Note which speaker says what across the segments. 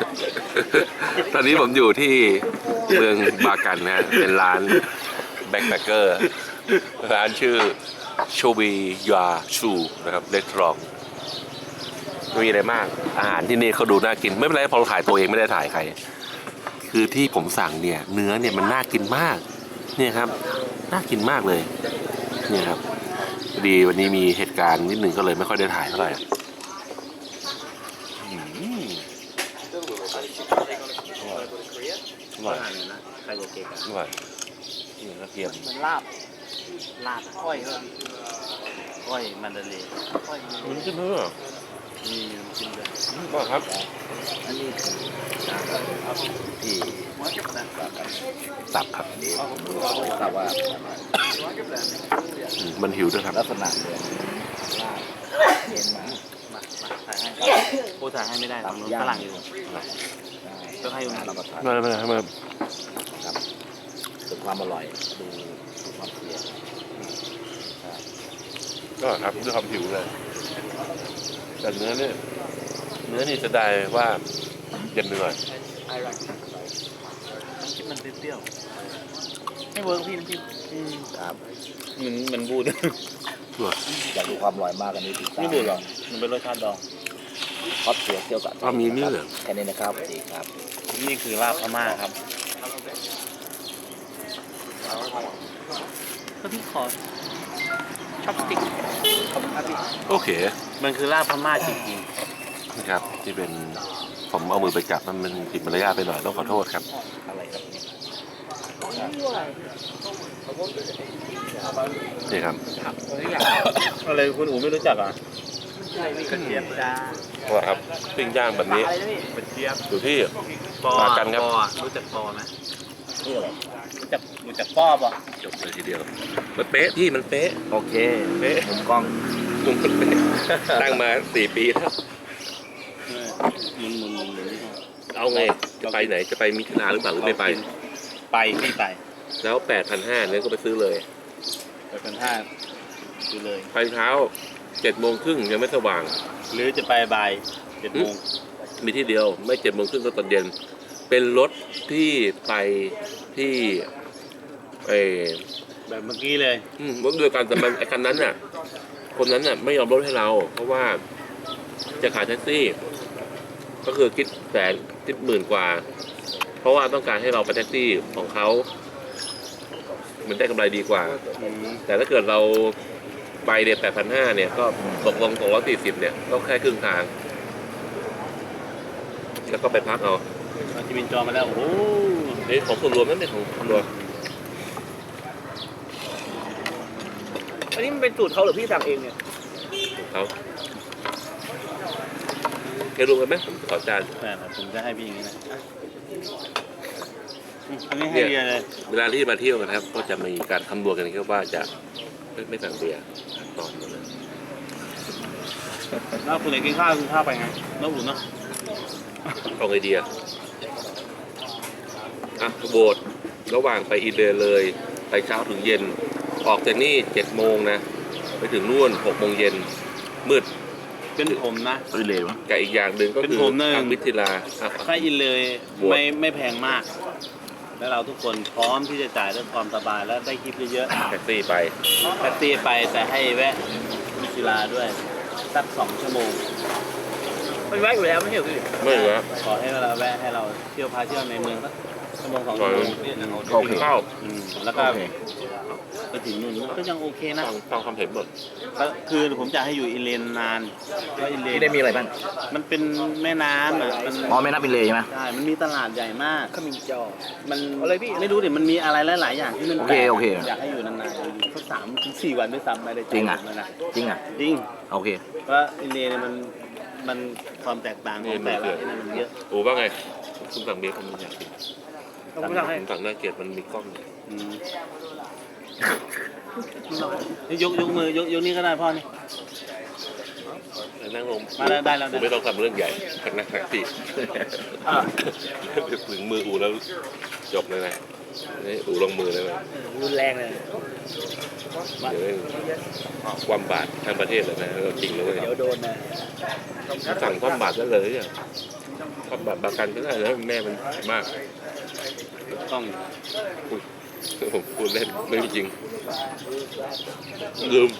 Speaker 1: ตอนนี้ผมอยู่ที่เมืองบากันนะเป็นร้านแบ็คแพคเกอร์ร้านชื่อโชบียาชูนะครับเรสทอรองไม่มีอะไรมากอาหารที่นี่เขาดูน่ากินไม่เป็นไรพอเราถ่ายตัวเองไม่ได้ถ่ายใครคือที่ผมสั่งเนี่ยเนื้อเนี่ยมันน่ากินมากเนี่ยครับน่ากินมากเลยเนี่ยครับพอดีวันนี้มีเหตุการณ์นิดหนึ่งก็เลยไม่ค่อยได้ถ่ายเท่าไหร่อร่อยนะใครจะเก่งอร่อยนี่กระเทียม
Speaker 2: มันลาบก้อยก็ก้อยมันเดลีก้อย
Speaker 1: มันขึ้นเพื่อ
Speaker 2: มีกินเลย
Speaker 1: ก็ครับ
Speaker 2: อันนี้คือที่
Speaker 1: ตับครับ
Speaker 2: ตับว่า
Speaker 1: มันหิวด้วยครับ
Speaker 2: ลักษณะเลยลาบเย็นมาถ่ายให้ผู้ถ่ายให้ไม่ได้ทำฝรั่งอยู่ก็ให้อยู่รับประทาน
Speaker 1: มา
Speaker 2: ครับถึงความอร่อยดูความเสีย
Speaker 1: ก็ครับด้วยความหิวเลยแต่เนื้อนี่จะได้ว่าเย็นไปหน่อย
Speaker 2: คิดมันเปรี้ยวไม่เวิร์กพี่น้ำจิ้มครับมันบูดอยากดูความอร่อยมากกันนี้ติดตามไม่บูดหรอมันเป็นรสชาติดองทอดเสียเกี่ยวกับ
Speaker 1: มีเนื้อเหรอ
Speaker 2: แค่นี้นะครับดีครับนี่คือลาบพม่าครับก็พี่ขอช็อปสติ๊กขอบคุณครับพี่
Speaker 1: โอเค
Speaker 2: มันคือลาบพม่าจริง
Speaker 1: ๆนะครับที่เป็นผมเอามือไปจับมันผิดมารยาทไปหน่อยต้องขอโทษครับ
Speaker 2: อะไรครับ
Speaker 1: นี่ครับ
Speaker 2: อะไรคุณอู๋ไม่รู้จักอ่ะกระเทียมจ้า
Speaker 1: ว่าครับปิ้งย่างแบบนี้
Speaker 2: กระเทียม
Speaker 1: อยู่ที่
Speaker 2: ปอ
Speaker 1: กันครับ
Speaker 2: รู้จักปอไหมนี่อะไรรู้จักปอป่ะ
Speaker 1: จบเลยทีเดียวมันเป๊ะพี่มันเป๊ะ
Speaker 2: โอเคเป๊ะมุมกล้อง
Speaker 1: มุมมันเป๊ะตั้งมา4 ปีแล้ว
Speaker 2: มุน
Speaker 1: เอาไงจะไปไหนจะไปมิถุนาหรือเปล่าหรือไม่ไป
Speaker 2: พี่ไป
Speaker 1: แล้ว8,500เนี่ยก็ไปซื้อเลย
Speaker 2: 8,500ซื้อเลย
Speaker 1: ไปเช้า7:30ยังไม่สว่าง
Speaker 2: หรือจะไปบ่าย7 โมง
Speaker 1: มีที่เดียวไม่7:30ก็ตอนเย็นเป็นรถที่ไปที่
Speaker 2: แบบเมื่อกี้เลย
Speaker 1: รถด้วยกันแต่มันไอ้คันนั้นน่ะคนนั้นน่ะไม่ยอมลดให้เราเพราะว่าจะขายแท็กซี่ก็คือคิด10,000 กว่าเพราะว่าต้องการให้เราไปแท็กซี่ของเขามันได้กำไรดีกว่าแต่ถ้าเกิดเราไปเดือน8,500เนี่ยก็ตกลง240เนี่ยก็แค่ครึ่งทางแล้วก็ไปพักเอา
Speaker 2: ที่มินจอมาแล้วโอ้โห
Speaker 1: นี่ของส่วนรวมนั่นเป็นของส่วนรวม
Speaker 2: อันนี้มันเป็นสูตรเขาหรือพี่สั่งเองเนี่ย
Speaker 1: เขาแกรู้กันไหมผมขอจาน
Speaker 2: ผมจะให้พี่อย่างนี้นะอันนี้ให้เบียร์เลย
Speaker 1: เวลาที่มาเที่ยวกันครับก็จะมีการคำนวณกันครับว่าจะไม่สั่งเบียร์ตอนนั้น
Speaker 2: แล้วคุณไหนกินข้าวไปไงแล้วอุ่นเนาะ
Speaker 1: เอาไอเดียโบสถ์ระหว่างไปอินเดียเลยไปเช้าถึงเย็นออกจากนี่7 โมงนะไปถึงนู่น6 โมงเย็นมืด
Speaker 2: เป็นผมนะ
Speaker 1: อินเลยกับอีกอย่างหนึ่งก็คือทางวิทยา
Speaker 2: ถ้าอินเลยไม่แพงมากแล้วเราทุกคนพร้อมที่จะจ่ายด้วยความสบายแล้วได้คลิปเยอะ
Speaker 1: ๆแท็กซี่ไป
Speaker 2: แต่ให้แวะวิทยาด้วยสัก2 ชั่วโมงไม่แวะอยู่แล้วไม่ใช่หรือ
Speaker 1: ไม่แวะ
Speaker 2: ขอให้เราแวะให้เราเที่ยวพาเที่ยวในเมืองสัก1-2 ชั่วโมง
Speaker 1: โอเคเข้า
Speaker 2: แล้วก็ไปถึงนู่นก็ยังโอเคนะ
Speaker 1: ฟังความเห็นหมด
Speaker 2: คือผมจะให้อยู่อินเลนนาน
Speaker 3: ว่าอินเลนได้มีอะไรบ้าง
Speaker 2: มันเป็นแม่น้ำมัน
Speaker 3: แม่น้ำอินเลใช่ไหม
Speaker 2: ใช่มันมีตลาดใหญ่มาก
Speaker 3: ขมิ้นจอ
Speaker 2: มันอะไรพี่ไม่รู้ดิมันมีอะไรหลายๆอย่างที่มัน
Speaker 3: โอเค
Speaker 2: อยากให้อยู่นานๆอยู่สัก3-4 วันด้วยซ้ำไม่ได้
Speaker 3: จริงอ่ะจริงโอเค
Speaker 2: เพราะอินเลนมันความแตกต่างของแต่ละที่นั่นมันเยอะ
Speaker 1: โอ้ว่าไงคุณสั่งเบียร์คุณอยากกินผมสั่งน่าเกลียดมันมีกล้อง
Speaker 2: ยกมือยกนี่ก็ได้พ่อนี่
Speaker 1: นั่งลง
Speaker 2: มาได้แล้ว
Speaker 1: ผมไม่ต้องทำเรื่องใหญ่แข่งนักแข่งตีถึงมืออูแล้วจบเลยนะนี่อูลงมือเลยนะ
Speaker 2: รุนแรงเลย
Speaker 1: เดี๋ยวความบาดทางประเทศเลยนะจริงเลย
Speaker 2: เดี๋ยวโดนนะ
Speaker 1: สั่งความบาดได้เลยอ่ะก็แบบบากันก็ได้แล้วแม่มันมาก
Speaker 2: ต้อง
Speaker 1: ผมพูดเล่นไม่จริงลืม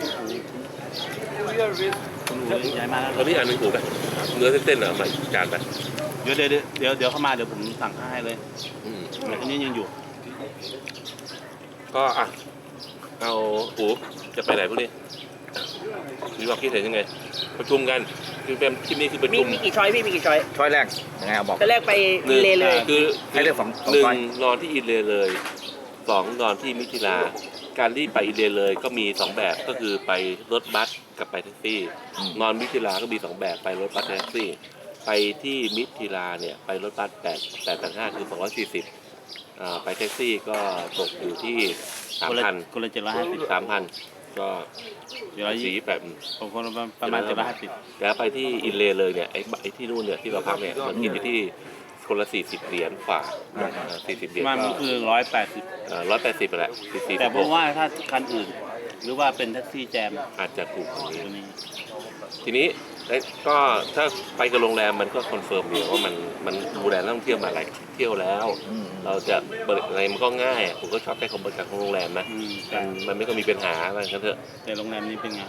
Speaker 2: ต้องรู้ย้ายมาแล้ว
Speaker 1: ตอนนี้อ่านหนึ่งหูไปเนื้อเต้นๆอ่ะมาจานไป
Speaker 2: เดี๋ยวเข้ามาเดี๋ยวผมสั่งให้เลย
Speaker 1: อืม
Speaker 2: อันนี้ยังอยู่
Speaker 1: ก็อ่ะเอาหูจะไปไหนพวกนี้มีความคิดเห็นยังไง ประชุมกันคือเป็นคลิปนี้คือประชุม
Speaker 4: มีกี่ช้อยพี่มีกี่ช้อย
Speaker 3: ช้อยแรกยังไงเอาบอก
Speaker 4: แต่แรกไปเลเลย
Speaker 1: คือ
Speaker 3: ให้เลือกสอง
Speaker 1: หนึ่ง
Speaker 3: ช้อย
Speaker 1: นอนที่อินเลเลยสองนอนที่มิถิลา การที่ไปอินเลเลยก็มีสองแบบก็คือไปรถบัสกับไปแท็กซี่ นอนมิถิลาก็มีสองแบบไปรถบัสแท็กซี่ ไปที่มิถิลาเนี่ยไปรถบัส885คือ240ไปแท็กซี่ก็ตกอยู่ที่ 3,000
Speaker 2: คนละ750
Speaker 1: 3,000 ก็ สีแบบ
Speaker 2: ผมคนละประมาณ750
Speaker 1: แล้วไปที่อินเลเลยเนี่ยไอ้ที่นู่นเนี่ยที่เราพักเนี่ยมันกินอยู่ที่คนละ40 เหรียญกว่า40 เหรียญ
Speaker 2: มัน
Speaker 1: ก็
Speaker 2: คือ180
Speaker 1: 180ไปแหละ40
Speaker 2: แต่ผมว่าถ้าคันอื่น หรือว่าเป็นแท็กซี่แจม
Speaker 1: อาจจะถูกกว่านี้
Speaker 2: ตัวนี้
Speaker 1: ทีนี้ก็ถ้าไปกับโรงแรมมันก็คอนเฟิร์มอยู่ว่ามันดูแลนักท่องเที่ยวมาหลายเที่ยวแล้ว เราจะบริอะไรมันก็ง่ายผมก็ชอบใช้คำบริการของโรงแรมนะ มันไม่ก็มีปัญหาอะไรกันเถอะ
Speaker 2: แต่โรงแรมนี้เป็นไง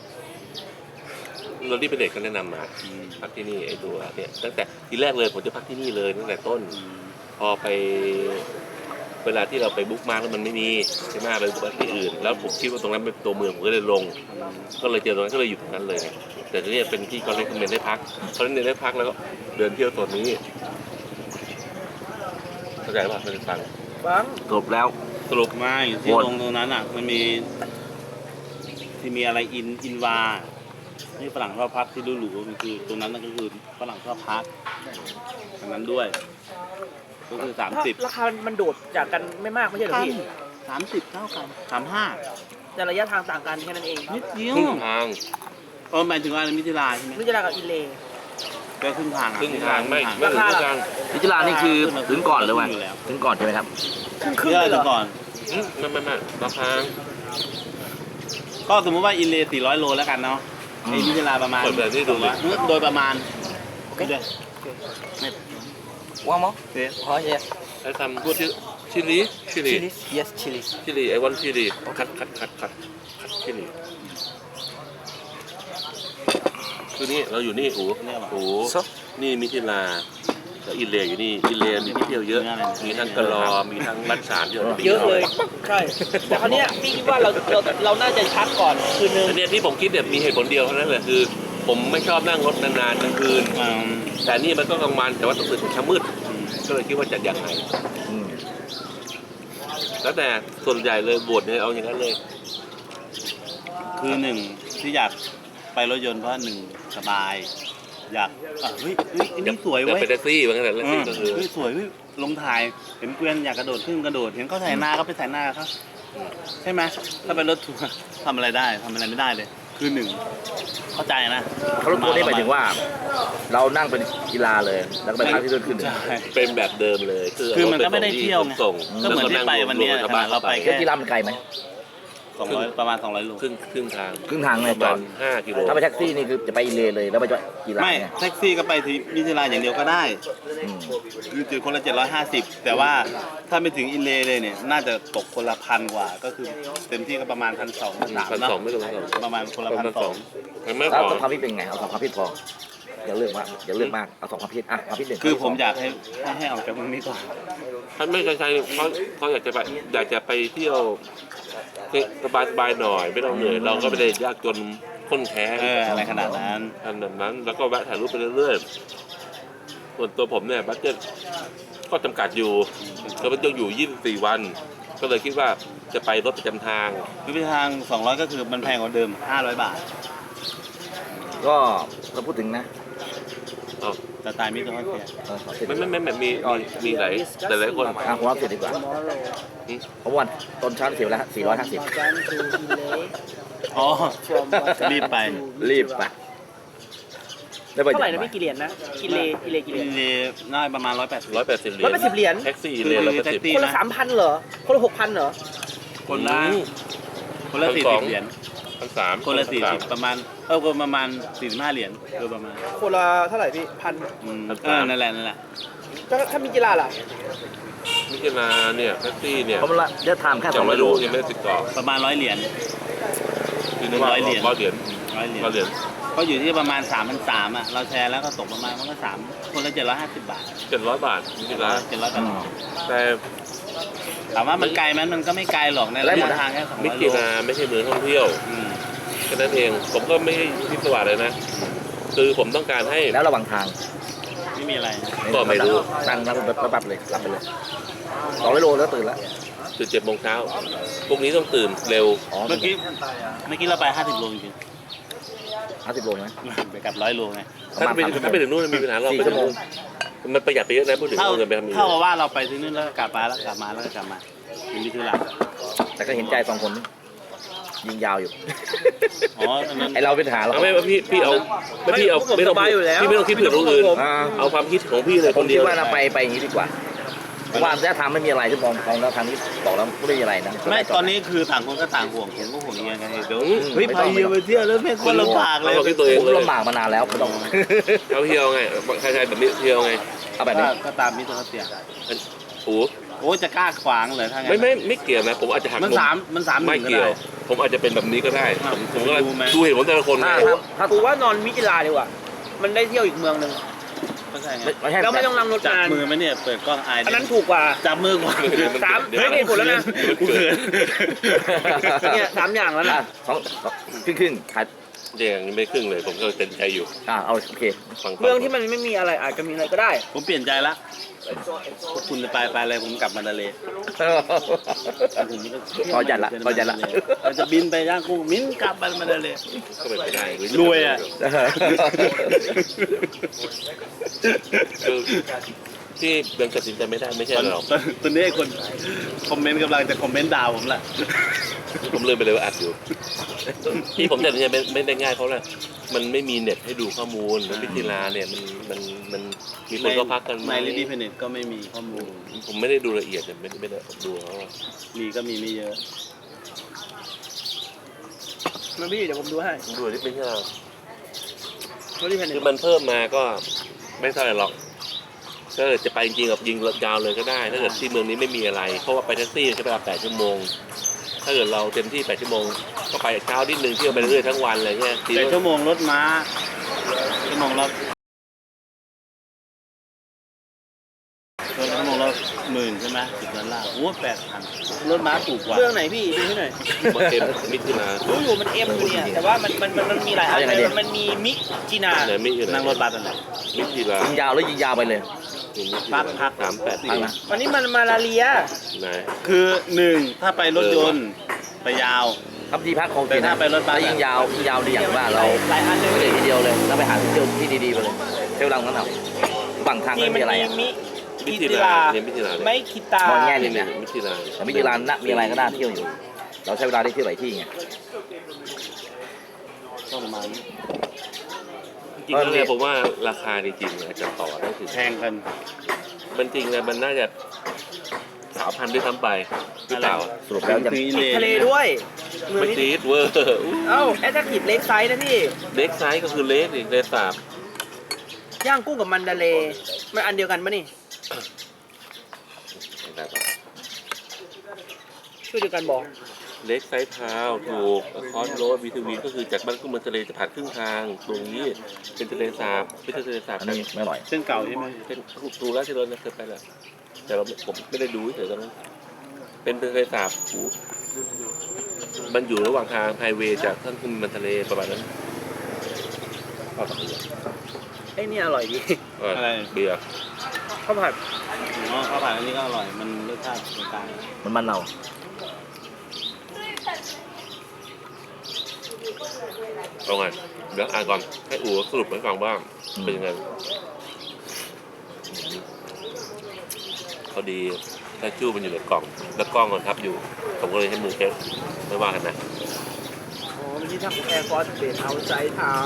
Speaker 1: เราที่เป็นเด็กก็แนะนำมาพักที่นี่ไอ้ตัวเนี่ยตั้งแต่ทีแรกเลยผมจะพักที่นี่เลยตั้งแต่ต้น พอไปเวลาที่เราไปบุ๊กมาร์กแล้วมันไม่มีใช่ไหมไปบุ๊กที่อื่น แล้วผมคิดว่าตรงนั้นเป็นตัวเมืองผมก็เลยลง ก็เลยเจอตรงนั้นก็เลยอยู่ตรงนั้นเลย แต่ทีนี้เป็นที่เขาเลยคอมเมนต์ได้พักเขาเน้นได้พักแล้วก็เดินเที่ยวตัวนี้เข้าใจป่ะเป็นฟัง
Speaker 4: ฟัง
Speaker 3: จบแล้ว
Speaker 2: สรุปไม่ที่
Speaker 3: วน
Speaker 2: ลงตรงนั้นอ่ะมันมีที่มีอะไรอินวาที่ฝรั่งชอบพักที่หรูๆมันคือตรงนั้นนั่นก็คือฝรั่งชอบพักอันนั้นด้วย ก็คือ30
Speaker 4: ราคามันโดดจากกันไม่มากไม่ใช่เหรอพี่
Speaker 2: 30เท่ากัน35
Speaker 4: แต่ระยะทางต่างกันแค่นั้นเอง
Speaker 2: นิดเดียว
Speaker 1: ครึ่งทาง
Speaker 2: หมายถึงว่ามิถิลาใช่ไหม
Speaker 4: มิจะรากับอินเล
Speaker 2: ก็ครึ่งทางอะ
Speaker 1: ครึ่งทางไม่
Speaker 2: ครึ่ง
Speaker 1: ไม่
Speaker 2: ทาง
Speaker 1: ถึงครึ่งทาง
Speaker 3: พิจารณานี่คือถึงก่อนหรือว่า
Speaker 2: อยู่แล้ว
Speaker 3: ถึงก่อนใช่ไหมครับ
Speaker 4: ครึ่ง
Speaker 2: เย
Speaker 4: เลยเหร
Speaker 2: อะ
Speaker 4: อ
Speaker 2: ก่อน
Speaker 1: ไม่ราคา
Speaker 2: ก็สมมติว่าอินเล400 โลแล้วกันเนาะไอ้มิถิลาประมาณ
Speaker 1: เปิดแบบนี้ดูเลย
Speaker 2: โดยประมาณไม่
Speaker 3: ว่างมั้ง
Speaker 2: เสีย
Speaker 3: อ๋อเย
Speaker 1: ไอ้ทำชิลี
Speaker 3: yes chili
Speaker 1: ชิลีไอ้วันชิลีคัดชิลีคือนี่เราอยู่นี่โอ้นี่มิถิลาแล้วอินเลอยู่นี่อินเลมีที่เที่ยวเยอะ มีทั้งกะลอมีทั้งรัชฉานเยอะ
Speaker 4: เยอะเลยใช่แต่คราวเนี้ยพี่คิดว่าเราน่าจะชัดก่อนคืนนึง
Speaker 1: อันเนี้ยที่ผมคิดเนี่ยมีเหตุผลเดียวเท่านั้นแหละคือ ผมไม่ชอบนั่งรถนานๆกลางคืน แต่นี่มันก็กลางวันแต่ว่าต้องตื่นถึงเช้ามืดก็เลยคิดว่าจะยังไงแล้วแต่ส่วนใหญ่เลยบวชเนี่ยเอาอย่างนั้นเลย
Speaker 2: คือหนึ่งที่อยากไปรถยนต์เพราะหนึ่งสบาย อยากเฮ้ยอันนี้สวย
Speaker 1: จะ
Speaker 2: เว้ย
Speaker 1: เป็นแท็กซี่เหมือนกันแหละแท็กซี่ก็คือ
Speaker 2: เฮ้ยสวยเว้ยลงถ่ายเห็นเกวียนอยากกระโดดขึ้นกระโดดเห็นเขาถ่ายหน้าก็ไปถ่ายหน้าเขาใช่ไหมถ้าเป็นรถทัวร์ทำอะไรได้ทำอะไรไม่ได้เลย คือหนึ่งเข้าใจนะ
Speaker 3: เขารถทัวร์นี่หมายถึงว่า เรานั่งเป็นกีฬาเลย แล้วก็ไปพักที่นู่นขึ้น
Speaker 2: ใช่
Speaker 1: เป็นแบบเดิมเลย
Speaker 2: คือมันก็ไม่ได้เที่ยวไง
Speaker 1: ส่ง
Speaker 2: ก็เหมือนที่ไปวันเนี้ย
Speaker 1: แล้วก็นั่ง
Speaker 2: เราไป
Speaker 3: แค่กีฬามันไกลไหม
Speaker 2: 200ประมาณ200 โล
Speaker 1: ครึ่งทาง
Speaker 3: ครึ่งทาง
Speaker 1: ป
Speaker 3: เลย
Speaker 1: ระ
Speaker 3: จ
Speaker 1: มา
Speaker 3: อ
Speaker 1: ณ
Speaker 3: ด
Speaker 1: 5 กิโล
Speaker 3: ถ้าไปแท็กซี่นี่คือจะไปอินเลย์เลยแล้วไปจอดกีฬา
Speaker 2: ไม่
Speaker 3: เนี่ย
Speaker 2: แท็กซี่ก็ไปที่มิถิลาอย่างเดียวก็ได้
Speaker 3: อืม
Speaker 2: คือถือคนละ750แต่ว่าถ้าไม่ถึงอินเลย์เลยเนี่ยน่าจะตกคนละ1,000 กว่า ก็คือเต็มที่ก็ประมาณ1,200 1,300
Speaker 1: 1,200ไม่เกิน1,200
Speaker 2: ประมาณคนละ
Speaker 1: ประมาณ
Speaker 2: 1,200
Speaker 1: มันไม่
Speaker 3: แล้ว
Speaker 1: พอ
Speaker 3: สองความคิดเป็นไงเอาสองความคิดพออย่าเลือกมากเอาสองความคิดอ่ะความคิดหนึ่ง
Speaker 2: คือผมอยากให้ออกจากเมืองนี้ก่อน
Speaker 1: ท่านไม่ใช่เขาอยากจะไปเที่ยวสบายๆหน่อยไม่ต้องเหนื่อยเราก็ไม่ได้ยากจนข้นแค้น
Speaker 2: อะไรขนาดนั้น
Speaker 1: อันนั้นแล้วก็แวะถ่ายรูปไปเรื่อยๆส่วนตัวผมเนี่ยบัตเจ็ตก็จำกัดอยู่ก็มันต้องอยู่24 วัน ก็เลยคิดว่าจะไปรถประจำทาง
Speaker 2: คือไปทาง200ก็คือมันแพงกว่าเดิม500 บาท
Speaker 3: ก็เราพูดถึงนะ
Speaker 1: อ๋อ
Speaker 2: แต่ตายมิตรฮอสเทีย
Speaker 3: ขอเสร็จ
Speaker 1: ไม่มีหลายแต่หลายคน
Speaker 3: ผมรับเสร็จดีกว่าเพราะวันต้นเช้าเสียแล้ว450
Speaker 2: อ๋อรีบไป
Speaker 3: รีบไปได้ไป
Speaker 4: เท่าไหร่นะพี่กี่เหรียญนะกิเลกี่เหรี
Speaker 2: อิ
Speaker 4: ยญ
Speaker 2: นเลย์น่าประมาณ180
Speaker 1: 180 เหรียญ
Speaker 4: 180 เหรียญ
Speaker 1: แท็กซี่เหรียญ
Speaker 2: แท็กซี่
Speaker 4: คนละ 3,000เหรอคนละ6,000เหรอ
Speaker 2: คนละ40 เหรียญ
Speaker 1: 1,300
Speaker 2: คนละ40ประมาณประมาณ45 เหรียญโดยประมาณ
Speaker 4: คนละเท่าไหร่พี่พัน
Speaker 2: นั่นแหละ
Speaker 4: ถ้ามีกีฬาล่ะ
Speaker 1: มิถิลาเนี่ยแท็กซี่เนี่ย
Speaker 3: เพราะว่าเดี๋ยวทำแค่
Speaker 1: ยังไม่
Speaker 3: 200 โล
Speaker 1: รู้ยังไม่ได้ติดต่อ
Speaker 2: ประมาณ100 เหรียญ
Speaker 1: คือ
Speaker 2: 100 เหรียญ
Speaker 1: 100 เหรียญ
Speaker 2: 100 เหรียญ
Speaker 1: 100 เหรียญ
Speaker 2: ก็อยู่ที่ประมาณ 3,300อ่ะเราแชร์แล้วก็ตกประมาณมันก็3คนละ750 บาท
Speaker 1: 700 บาทมิถิลา
Speaker 2: 700 บาท
Speaker 1: แต่
Speaker 2: ถามว่ามันไกลไหมมันก็ไม่ไกลหรอกในระยะทางแค่
Speaker 1: มิ
Speaker 2: 200 โล
Speaker 1: ถิลาไม่ใช่เมืองท่องเที่ยวแค่นั้นเองผมก็ไม่พิศวาสเลยนะ คือผมต้องการให้
Speaker 3: แล้วระหว่างทาง
Speaker 2: ไม่มีอะไร
Speaker 1: ก็ไม่รู้
Speaker 3: นั่งรถปั๊บเลยหลับไปเลย200 โลแล้วตื่นแล้ว
Speaker 1: ตื่น7 โมงเช้าพรุ่งนี้ต้องตื่นเร็ว
Speaker 3: อ๋อ
Speaker 2: เมื่อกี้เราไป50 โลจริง
Speaker 3: 50 โลไหม
Speaker 2: ๆไปกับ100 โลไง
Speaker 1: ถ้าไปถึงนู่นมีปัญหาเรา
Speaker 3: 4
Speaker 1: ไป
Speaker 3: ชั่วโมง
Speaker 1: มันประหยัดไปเยอะนะพูดถึง
Speaker 2: เท่า
Speaker 1: เอาเงินไปทำอย่าง
Speaker 2: เท่า
Speaker 1: อื่น
Speaker 2: กับว่าเราไปที่นู่นแล้วก็กลับมาแล้วก็กลับมาแล้วก็กลับมาเป็นมิถุลา
Speaker 3: แต่ก็เห็นใจ2 คนยิงยาวอยู่
Speaker 2: อ๋ออันนั้น
Speaker 3: ไอเราเป็นหาเรา
Speaker 1: เอาไม่พี่เอาไม่พี่เอาไม่ต้องพี่ไม่ต้องคิดเผื่อคนอื่น
Speaker 3: อ่า
Speaker 1: เอาความคิดของพี่เลย
Speaker 3: ผ
Speaker 1: ค
Speaker 3: ม
Speaker 1: น
Speaker 3: คิ
Speaker 1: เดี
Speaker 3: ด
Speaker 1: ยว
Speaker 3: ว่าเราไปอย่างนี้ดีกว่าเพราะว่าถ้าทำไม่มีอะไรที่มองแล้วทางนี้บอกแล้วไม่มีอะไรนะ
Speaker 2: ไม่ตอนนี้คือต่างคนก็ต่างห่วงผมก็ห่วงเงี้ยกันเดี๋ยว
Speaker 3: เฮ้ย
Speaker 2: ไปเที่ยวไปเที่ยวแล้วแม่งคนลำบากเลย
Speaker 1: เอาคิดตัวเอง
Speaker 3: ผม
Speaker 1: เลย
Speaker 3: ลำบากมานานแล้วไม่ต้อง
Speaker 1: เอาเที่ยวไงใครๆแบบนี้เที่ยวไง
Speaker 3: เอาแบบนี้
Speaker 2: ก็ตามมิตรเขาเสีย
Speaker 1: โอ้
Speaker 2: โอ้จะกล้าขวางเลยถ้างั้น
Speaker 1: ไม่เกี่ยวนะผมอาจจะหัก
Speaker 2: มันสาม
Speaker 1: ไม่เกี่ยว ผมอาจจะเป็นแบบนี้ก็ได้ผมก็ดูเห็นผมแต่ละคนไง
Speaker 3: ถ้า
Speaker 4: กูว่านอนมิจิลาดีกว่า มันได้เที่ยวอีกเมืองหนึ่ง
Speaker 2: ก็ใช่ไง
Speaker 3: ไม่ใช่
Speaker 4: แล้วไม่ต้องนั่งรถ
Speaker 2: จับ
Speaker 4: นาน
Speaker 2: มือไหมเนี่ยเปิดกล้องอาย
Speaker 4: อันนั้นถูกกว่า
Speaker 2: จับมือกว่า
Speaker 4: เฮ้ยนี่ผลแล้วนะ
Speaker 2: กูเขิน
Speaker 4: เนี่ย3 อย่างแล้วนะ
Speaker 3: สองครึ่งขาย
Speaker 1: อย่างนี้ไม่ครึ่งเลยผมก็เต็มใจอยู่
Speaker 3: เอาโอเค
Speaker 1: ฟัง
Speaker 4: เมืองที่มันไม่มีอะไรอาจจะมีอะไรก็ได้
Speaker 2: ผมเปลี่ยนใจละพวกคุณจะไปอะไรผมกลับมาทะเลผมไม่ต้อง
Speaker 3: พอจัดละ
Speaker 2: เราจะบินไปย่างกุ้งมิ้นกลับมาทะเล
Speaker 1: ก็เป็นไปได้
Speaker 2: รวยอ่ะ
Speaker 1: คือที่ยังตัดสินใจไม่ได้ไม่ใช่หรอก
Speaker 2: ตอนนี้คนคอมเมนต์กำลังจะคอมเมนต์ด่าผมแหละ
Speaker 1: ผมลืมไปเลยว่าอัดอยู่ที่ผมตัดสินใจไม่ได้ง่ายเพราะอะไรมันไม่มีเน็ตให้ดูข้อมูลแล้วมิถิลาเนี่ยมันมีคนก็พักกันไหม
Speaker 2: ในลิดี้เพเน็ตก็ไม่มีข้อมูล
Speaker 1: ผมไม่ได้ดูละเอียดแต่ไม่ได้ดูเขาว่า
Speaker 2: มีก็มีไม่เยอะ
Speaker 4: มันพี่เดี๋ยวผมดูให้
Speaker 1: ดูที่เป็นที่เรา
Speaker 4: เขาที่แผ่น
Speaker 1: คือมันเพิ่มมาก็ไม่เท่าไหร่หรอกถ้าเกิดจะไปจริงๆกับยิงยาวเลยก็ได้ ถ้าเกิดที่เมืองนี้ไม่มีอะไร เพราะว่าไปแท็กซี่ใช้เวลา8 ชั่วโมง ถ้าเกิดเราเต็มที่8 ชั่วโมงก็ไปเช้านิดนึงเที่ยวไปเรื่อยๆทั้งวันอะไรเงี้ย
Speaker 2: แต่ชั่วโมงรถม้าชั่วโมงละ10,000ใช่ไหม$10โอ้8,000รถม้าถูกกว่า
Speaker 4: เรื่องไหนพี่ดูให้หน่อย
Speaker 1: เอ็มมิถิลา
Speaker 4: รู้อยู่มันเอ็มอยู่เนี่ยแต่ว่ามันมีหลายอันเลยมันมีมิจินา
Speaker 1: ไหนมิอยู่ไหน
Speaker 2: นั่งรถบัสอะไร
Speaker 1: มิถิลา
Speaker 3: ยิงยาวแล้วยิงยาวไปเลย
Speaker 2: พัก
Speaker 1: 38
Speaker 3: พักนะ
Speaker 4: วันนี้มันมาลาเรีย
Speaker 1: ไหน
Speaker 2: คือ1ถ้าไปรถยนต์ไปยาว
Speaker 3: ครับที่พักของ
Speaker 2: แต่ถ้าไปรถบัส
Speaker 3: ยิงยาวดีอย่างว่าเรา
Speaker 4: หลายอันเลย
Speaker 3: ไม่ได้ทีเดียวเลยแล้วไปหาที่เที่ยวที่ดีๆไปเลยเที่ยวรังนั้นเอาระหว่างทาง
Speaker 4: นี่
Speaker 3: ไม่
Speaker 4: มัน
Speaker 3: มีอะไร
Speaker 4: มี
Speaker 3: อะ
Speaker 4: มิคิตา
Speaker 1: เนี่ยมิถิลาเนี่ย
Speaker 4: ไม่คิตาม
Speaker 3: องแง่หนึ่งนะ
Speaker 1: มิถิลา
Speaker 3: แต่ไม่กี่ร้านนะมีอะไรก็น่าเที่ยวอยู่ เราใช้เวลาได้เที่ยวหลายที่ไง
Speaker 2: ก็ประมาณนี้
Speaker 1: จริงๆแล้วเนี่ยผมว่าราคาจริงๆอาจจะต่อได้ถึง
Speaker 2: แพงกัน
Speaker 1: มันจริงนะมันน่าจะ3,000ด้วยซ้ำไปหรือเปล่า
Speaker 3: สรุปแล้วจะ
Speaker 2: คือ
Speaker 4: ติดทะเลด้วยเมือง
Speaker 1: ไม่
Speaker 4: นี้
Speaker 1: ตีดเวอร์
Speaker 4: เอ้าแอตแทคทีฟเล็กไซส์นะพี่
Speaker 1: เล็กไซส์ก็คือเล็กอีกเลสาบ
Speaker 4: ย่างกุ้งกับมันดาเลมันอันเดียวกันปะนี่ชื่อเดียวกันบอก
Speaker 1: เล็กไซส์พาวถูกคอสโรดวีทีวีก็คือจากบ้านกุ้งมันทะเลจะผ่านครึ่งทางตรงนี้เป็นทะเลสาบไม่ใช่ทะเลสาบ
Speaker 3: อันนี้ไม่อร่อย
Speaker 2: เส้นเก่าใช่ไหม
Speaker 1: เป็นดูแล้วที่เราเคยไปแล้วแต่ผมไม่ได้ดูเฉยๆตอนนั้นเป็นทะเลสาบมันอยู่ระหว่างทางไฮเวย์จากท่านขึ้นมันทะเลประมาณนั้นข้าวผัด
Speaker 4: ไอ้นี่อร่อยดี
Speaker 1: เบียร์
Speaker 4: ข้าวผัด
Speaker 2: อ๋อข้าวผัดอันนี้ก็อร่อยมันรสชาติกลาง
Speaker 3: มันเน่า
Speaker 1: เอาไงเดี๋ยวอ่านก่อนให้อู๋สรุปให้ฟังบ้างเป็นยังไงพอดีถ้าจู้มันอยู่ในกล่องแล้วกล้องมันทับอยู่ผมก็เลยให้มือเช็ดไม่ว่ากันนะ
Speaker 4: อ๋อมันที่ทำแอร์ฟอร์สเบสเอาไซด์ทาว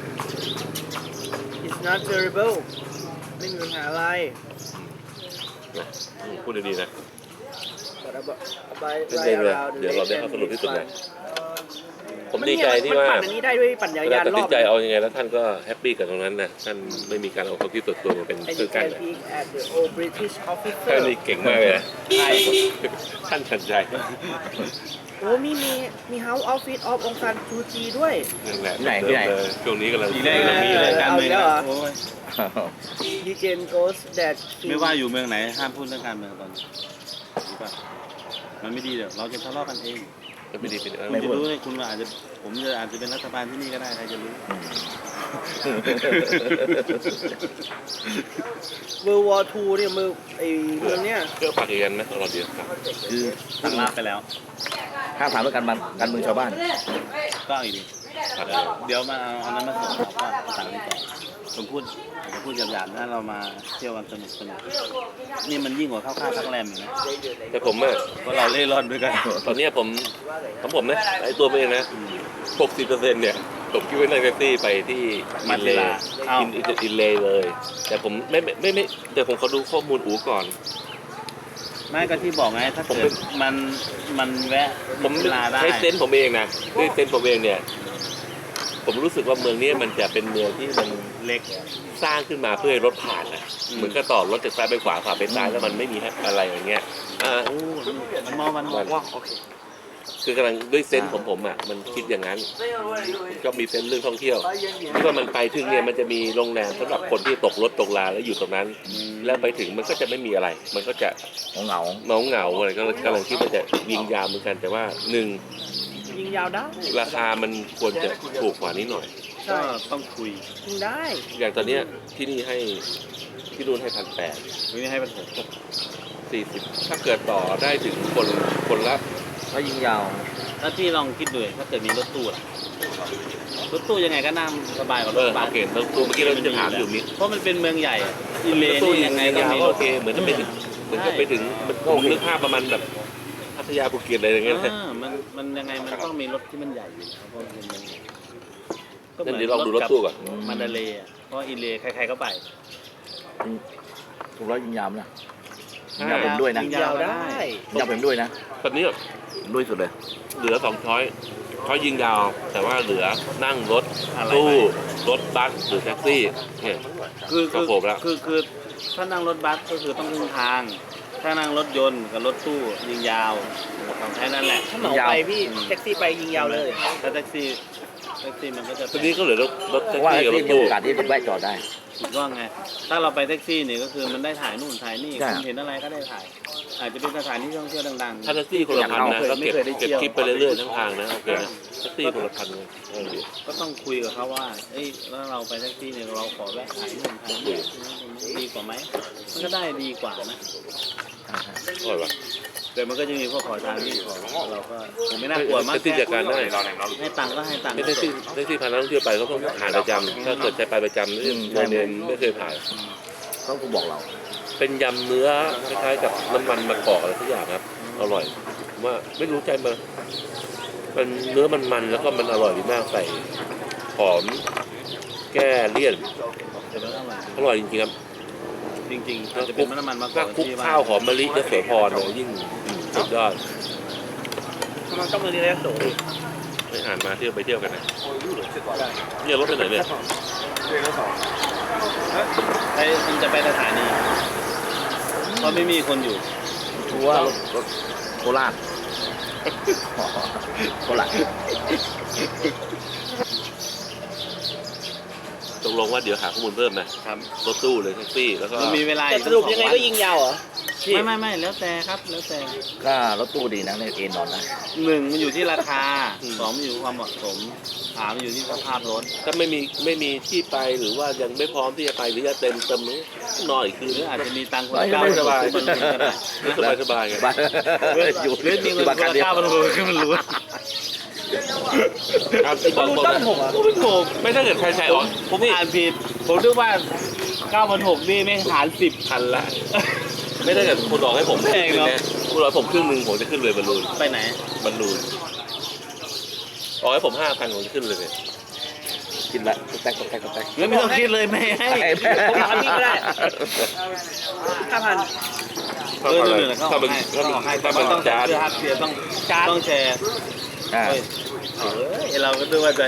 Speaker 4: it's not terrible ไม่มีปัญหาอะไร
Speaker 1: นะพูดดีๆนะ
Speaker 4: but about
Speaker 1: เดี๋ยวเราได้ข้อสรุปที่สุดเลยผมดีใจที่ว่า
Speaker 4: มันปั่นอันนี้ได้ด้วยปั่นจักราน
Speaker 1: เวยลายตัด
Speaker 4: ร
Speaker 1: สิ
Speaker 4: อน บ
Speaker 1: ใจเอายังไงแล้วท่านก็แฮปปี้กับตรงนั้นนะท่านไม่มีการเอาความคิดส่วนตัวมาเป็น
Speaker 4: And
Speaker 1: เครื่
Speaker 4: you
Speaker 1: องกั้น
Speaker 4: can
Speaker 1: นะ
Speaker 4: peek at the old British
Speaker 1: ท่าน
Speaker 4: officer
Speaker 1: นี่เก่งมากเลยนะท่านทันใจ
Speaker 4: โอ้มี House Office of องซานซูจีด้วย
Speaker 1: นั่นแหละ
Speaker 3: ที่ไหน
Speaker 1: เลยช่วงนี้กำลัง
Speaker 2: ทีแรกนะมีรายการเมือง
Speaker 4: เอาอีกแล้วเหรอ
Speaker 2: โอ้ย
Speaker 4: Legend goes that
Speaker 2: ไม่ว่าอยู่เมืองไหนห้ามพูดเรื่องการเมืองตอนนี้รู้ป่ะมันไม่ดีเดี๋ยวเราจะทะเลาะกันเอง
Speaker 1: ไม่ดีเป็น
Speaker 2: ผมจะรู้เลยคุณอาจจะผมจะอาจจะเป็นรัฐบาลที่นี่ก็ได้ใครจะรู้
Speaker 4: World War II เนี่ยเมืองเนี่ย
Speaker 1: เพื่อปากกันนะเราเดียวครับ
Speaker 3: คือ
Speaker 2: ตั้งรับไปแล้ว
Speaker 3: ห้ามถามเรื่องการเมืองชาวบ้าน
Speaker 2: ก็อีกดีเดี๋ยวมาเอาอันนั้นมาส่งเราก็สั่งนี้ต่อผมพูดผมพูดหยาบๆนะเรามาเที่ยวกันสนุกนี่มันยิ่งกว่าเข้าค่ายพักแรมอีกนะ
Speaker 1: แต่ผมอะ
Speaker 2: เพราะเราเล่ร่อนด้วยกัน
Speaker 1: ตอนเนี้ยผมของผมนะไอ้ตัวผมเองนะ 60%เนี่ยผมคิดว่านั่งแท็กซี่ไปที่อินเลย์อินเลย์เลย แต่ผมไม่แต่ผมขอดูข้อมูลอูก่อน
Speaker 2: ไม่ก็ที่บอกไงถ้าเกิดมันแวะ
Speaker 1: ผม
Speaker 2: เวลาได้
Speaker 1: ใช้เซนส์ผมเองนะด้วยเซนส์ผมเองเนี่ย ผมรู้สึกว่าเมืองนี้มันจะเป็นเมืองที่มัน
Speaker 2: เล็ก
Speaker 1: สร้างขึ้นมาเพื่อให้รถผ่านนะเหมือนกับต่อรถจากซ้ายไปขวาขวาไปซ้ายแล้วมันไม่มีอะไรอย่างเงี้ย
Speaker 2: มันบอกว่าโอเค
Speaker 1: คือกำลังด้วยเซนส์ผมอ่ะมันคิดอย่างนั้นก็มีเซนส์เรื่องท่องเที่ยวที่ว่ามันไปถึงเนี่ยมันจะมีโรงแรมสำหรับคนที่ตกรถตกลาแล้วอยู่ตรงนั้น แล้วไปถึงมันก็จะไม่มีอะไร มันก็จะ
Speaker 3: เหงา
Speaker 1: เหงาอะไรก็กำลังคิดว่าจะยิงยาวเหมือนกันแต่ว่าหนึ่ง
Speaker 4: ยิงยาวได้
Speaker 1: ราคามันควรจะถูกกว่านี้หน่อย
Speaker 4: ใช่
Speaker 2: ก็ต้องคุย
Speaker 4: ยิงได้
Speaker 1: อย่างตอนเนี้ยที่นี่ให้ที่นู่นให้1,800
Speaker 2: ไม่ได้ให้มันผม
Speaker 1: 40ถ้าเกิดต่อได้ถึงคนละ
Speaker 3: ๆถ้ายิงยาว
Speaker 2: ถ้าที่ลองคิดดูถ้าเกิดมีรถตู้ล่ะรถตู้ยังไงก็นั่งสบายกว่ารถบัส
Speaker 1: โอเคแล้วตัวเมื่อกี้เราจะถามอยู่มิ
Speaker 2: เพราะมันเป็นเมืองใหญ่อะอิเล
Speaker 1: ตู้
Speaker 2: นี่
Speaker 1: ยั
Speaker 2: ยัง ง
Speaker 1: ไง
Speaker 2: ไง
Speaker 1: ก็
Speaker 2: ก็มีร
Speaker 1: โอ
Speaker 2: ถ
Speaker 1: เคเหมือนจะไปถึงมันผมนึกภาพประมาณแบบพัทยาภูเก็ตอะไรอย่างเงี้ย
Speaker 2: มันยังไงมันต้องมีรถที่มันใหญ่อยู่แล้วเพราะมันเป็นเมืองใหญ่ก็เหมื
Speaker 1: นั่
Speaker 2: อน
Speaker 1: เดี๋ยวลองดูรถตู้ก่อน
Speaker 2: มันดาเลย์อะเพราะอิเลใครๆก็ไป
Speaker 3: ถูกแล้วยิงยาวนะยิงยาวผมด้วยนะ
Speaker 2: ยิ
Speaker 3: ยิ
Speaker 2: ง
Speaker 3: ง
Speaker 2: ยาวได้
Speaker 3: ยาวผมด้วยนะ
Speaker 1: ตอนนี้
Speaker 3: ด้วยสุดเลย
Speaker 1: เหลือ2ช้อยยิงยาว แต่ว่าเหลือนั่งรถ
Speaker 2: อะไร
Speaker 1: ตู้
Speaker 2: ไป
Speaker 1: รถบัสหรือแท็กซี่เนี่ย
Speaker 2: คือ
Speaker 1: ครับผมแล้ว
Speaker 2: คือถ้านั่งรถบัสก็คือต้องครึ่งทาง ถ้านั่งรถยนต์กับรถตู้ยิงยาวแค่นั้นแหละ
Speaker 4: ถ้าเหมาไปพี่แท็กซี่ไปยิงยาวเลย
Speaker 2: ถ้าแท็กซี่มันก็จะ
Speaker 1: ตอนนี้ก็เหลือรถ
Speaker 3: เพ
Speaker 1: แท็ก
Speaker 3: ราะว่า
Speaker 1: ซี่กับร
Speaker 3: ที่
Speaker 1: ถ
Speaker 3: มี
Speaker 1: ตู้
Speaker 3: โอกาสที่จะแวะจอดได้
Speaker 2: ถูกต้องไง ถ้าเราไปแท็กซี่เนี่ยก็คือมันได้ถ่ายนู่นถ่ายนี่
Speaker 3: ใช่
Speaker 2: คุณเห็นอะไรก็ได้ถ่าย อาจจะเป็นสถานที่ท่องเที่ยวดัง
Speaker 1: ถ้าแท็กซี่คนละพันนะก็เก็บ
Speaker 2: ไม่เคยได้เที่ยว
Speaker 1: คลิปไปเรื่อยๆทั้งทางนะโอเคนะแท็กซี่คนละพันเลยดี
Speaker 2: ๆ ก็ต้องคุยกับเขาว่าเอ้ยแล้วเราไปแท็กซี่เนี่ยเราขอแวะถ่ายนู่นถ่ายนี่ดีกว่าไหมมันก็ได้ดีกว่านะ
Speaker 1: อร่อยปะ
Speaker 2: แต่มันก็จะมีพวกขอทานที่ขอเราก็ผมไม่น่ากลัวมาก
Speaker 1: แท็กซี่จัดการได้
Speaker 2: ให้ตังค์ก็ให้ตังค์
Speaker 1: แท็กซี่พานักท่องเที่ยวไปเขาต้องผ่านประจำถ้าเกิดใช้ไปประจำนี่โมเดลไม่เคยผ่าน
Speaker 3: เขาก็บอกเรา
Speaker 1: เป็นยำเนื้อคล้ายๆกับน้ำมันมะกอกอะไรทุกอย่างครับ อร่อยผมว่าไม่รู้ใจมันเนื้อมันแล้วก็มันอร่อยดีมากใส่หอมแก้เลี่ยน
Speaker 2: แต่มันอร่อย
Speaker 1: อร่อยจริงๆครับ
Speaker 2: จริงๆอาจจะเป็นน้ำมันมะก
Speaker 1: ถ้า
Speaker 2: อก
Speaker 1: คลุก
Speaker 2: ที่
Speaker 1: ข้าวหอมมะลิจะเสือพรเลยยิ่งสุดยอด
Speaker 4: มันต้องมาเรียนโสด
Speaker 1: ไปอ่านมาเที่ยวไปเที่ยวกันนะเนี่ยรถไปไหนเนี่ย
Speaker 2: ไอ้มันจะไปสถานีเพราะไม่มีคนอยู่
Speaker 3: ชัวร์รถโคราชโคราช
Speaker 1: ตกลงว่าเดี๋ยวหาข้อมูลเพิ่มนะครับ รถตู้เลยแท็กซี่แล้วก็
Speaker 2: มันมีเวลา
Speaker 4: แต่สรุปยังไงก็ยิงยาวเหรอ
Speaker 2: ไม่แล้วแต่ครับแล้วแต่
Speaker 3: ก็รถตู้ดีนะในเอ็นนอนนะ
Speaker 2: หนึ่งมันอยู่ที่ราคาสองมันอยู่ที่ความเหมาะสมสามมันอยู่ที่สภาพรถ
Speaker 1: ถ้าไม่มีที่ไปหรือว่ายังไม่พร้อมที่จะไปหรือจะเต็มนอนอีกคืน
Speaker 2: หรืออาจจะมีตังค์คน
Speaker 3: ไม่
Speaker 2: ละเก้า
Speaker 1: สบาย
Speaker 2: พันก็ได้
Speaker 1: สบายไง
Speaker 3: บ้านอยู่
Speaker 2: หรือมีเงิน
Speaker 3: บ้าน
Speaker 2: คน
Speaker 3: กัน
Speaker 2: ละ
Speaker 3: เดียว
Speaker 2: เก้าพันก็มันรู้
Speaker 1: ครับที่บอก
Speaker 4: ตั้งหกอ่ะ
Speaker 2: ผมถูก
Speaker 1: ไม่ถ้าเกิดใครใช้ออก
Speaker 2: ผมอ่านผิดผมนึกว่า9,600นี่ไม่หาร10
Speaker 1: พันละ ไม่ได้เกิดคุณบอกให้ผม
Speaker 2: แพงเนอะ
Speaker 1: คุณบอกให้ผมครึ่งหนึ่งผมจะขึ้นเลยบอลลูน
Speaker 2: ไปไหน
Speaker 1: บอกให้ผม5,000ผมจะขึ้นเลยเนี่ย
Speaker 3: กินละแตก
Speaker 2: แล้วไม่ต้องคิดเลยไม่ให้
Speaker 4: ผมถามพี่ก็ได้5,000
Speaker 2: เขา
Speaker 1: ถ้ามัน
Speaker 2: ให้
Speaker 1: ถ้ามัน
Speaker 2: ให้
Speaker 1: ถ้ามัน
Speaker 2: ต้อง
Speaker 1: จาน
Speaker 2: คือฮัทเสียต้องแชร์
Speaker 3: อ่า
Speaker 2: เฮ้ยเราก็ดูว่าใจ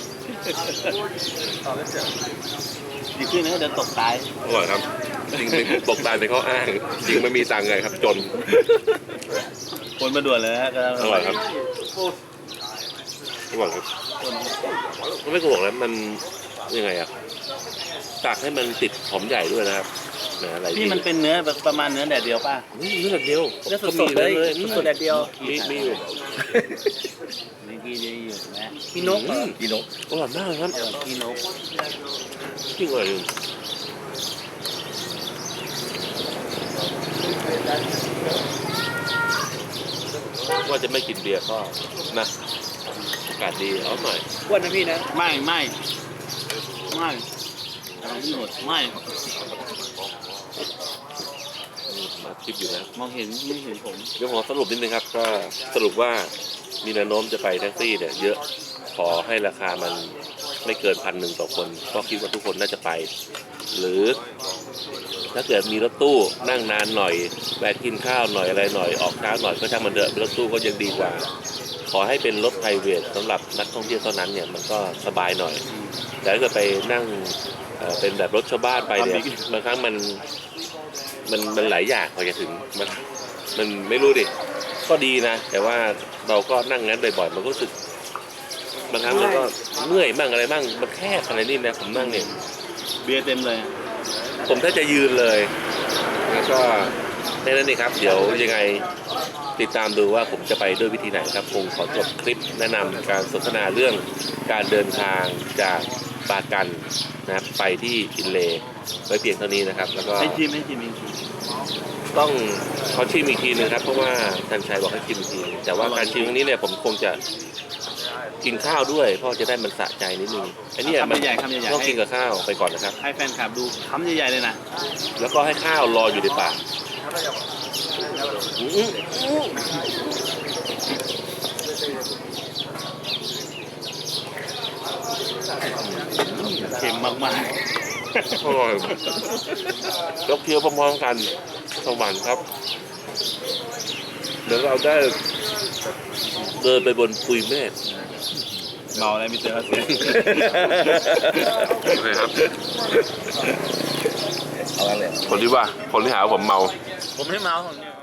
Speaker 2: ดีขึ้นนะเดินตกตาย
Speaker 1: อร่อยครับ จริงไม่ตกตายเป็นข้ออ้างจริงไม่มีตังค์เลยครับจน
Speaker 2: คนมาด่วนเลยฮะก็
Speaker 1: อร่อยครับอร่อยครับมันไม่โกหกแล้วมันยังไงอ่ะตากให้มันติดหอมใหญ่ด้วยนะครับอะไร
Speaker 2: นี่มันเป็นเนื้อแบบประมาณเนื้อแดดเดียวป่ะ
Speaker 1: เนื้อแบบเดียว
Speaker 4: เนื้อสดๆเลยสดๆแดดเดียว
Speaker 1: มีอยู่
Speaker 2: นี่กี่ดีอยู่นะ
Speaker 4: มีนกเหรอ
Speaker 3: กินนก
Speaker 1: อร่อยมากเลยครับ
Speaker 2: กี่นก
Speaker 1: จริงอร่อยจริงว่าจะไม่กินเบียร์ก็นะอากาศดีเอาหน่อย
Speaker 4: อ้วนนะพี่นะ
Speaker 2: ไม่กำลังหมดไม่
Speaker 1: มาคลิปอยู่นะ
Speaker 2: มองเห็นไม่เห็นผม
Speaker 1: เดี๋ยวผมสรุปนิดนึงครับก็สรุปว่ามีแนวโน้มจะไปแท็กซี่เนี่ยเยอะขอให้ราคามันไม่เกิน1,100ต่อคนก็คิดว่าทุกคนน่าจะไป หรือถ้าเกิดมีรถตู้นั่งนานหน่อยแวะกินข้าวหน่อยอะไรหน่อยออกช้าหน่อยก็ช่างมันเถอะรถตู้ก็ยังดีกว่า ขอให้เป็นรถไพรเวทสำหรับนักท่องเที่ยวเท่านั้นเนี่ยมันก็สบายหน่อยแต่ถ้าเกิดไปนั่งเป็นแบบรถชาวบ้านไปเนี่ยบางครั้งมันหลายอย่างพอจะถึงมันไม่รู้ดิก็ดีนะ แต่ว่าเราก็นั่งงั้นบ่อยๆมันก็รู้สึกบางครั้งมันก็เมื่อยบ้างอะไรบ้างมันแคบอะไรนี่นะผมนั่งเนี่ย
Speaker 2: เบียร์เต็มเลย
Speaker 1: ผมถ้าจะยืนเลยแล้วก็แค่นั้นเองครับ เดี๋ยวยังไงติดตามดูว่าผมจะไปด้วยวิธีไหนครับคงขอจบคลิปแนะนำการสนทนาเรื่องการเดินทางจากปากันนะครับไปที่อินเลย์ไว้เพียงเท่านี้นะครับ แล้วก็
Speaker 2: ให้ชิมอีกที
Speaker 1: ต้องขอชิมอีกทีนึงครับเพราะว่าท่านชัยบอกให้ชิมอีกทีแต่ว่าการชิมครั้งนี้เนี่ยผมคงจะกินข้าวด้วยเพราะจะได้มันสะใจนิดนึงอันนี้มัน
Speaker 2: คำใหญ่
Speaker 1: ต้องกินกับข้าวไปก่อนนะครับ
Speaker 2: ให้แฟนคลับดูคำใหญ่ๆเลยนะ
Speaker 1: แล้วก็ให้ข้าวรออยู่ในปาก
Speaker 2: เค็มมาก
Speaker 1: อร่อยยกเคี้ยวพร้อมๆกันสวรรค์ครับเดี๋ยวเราได้เดินไปบนปุยเมฆ
Speaker 2: ๆเมาอะไรไม่เจอเสียง
Speaker 1: โอเคครับ
Speaker 3: เอาอะไร
Speaker 1: คนที่หาว่าผมเมา
Speaker 2: ผมไม่เมาผมเนี่ย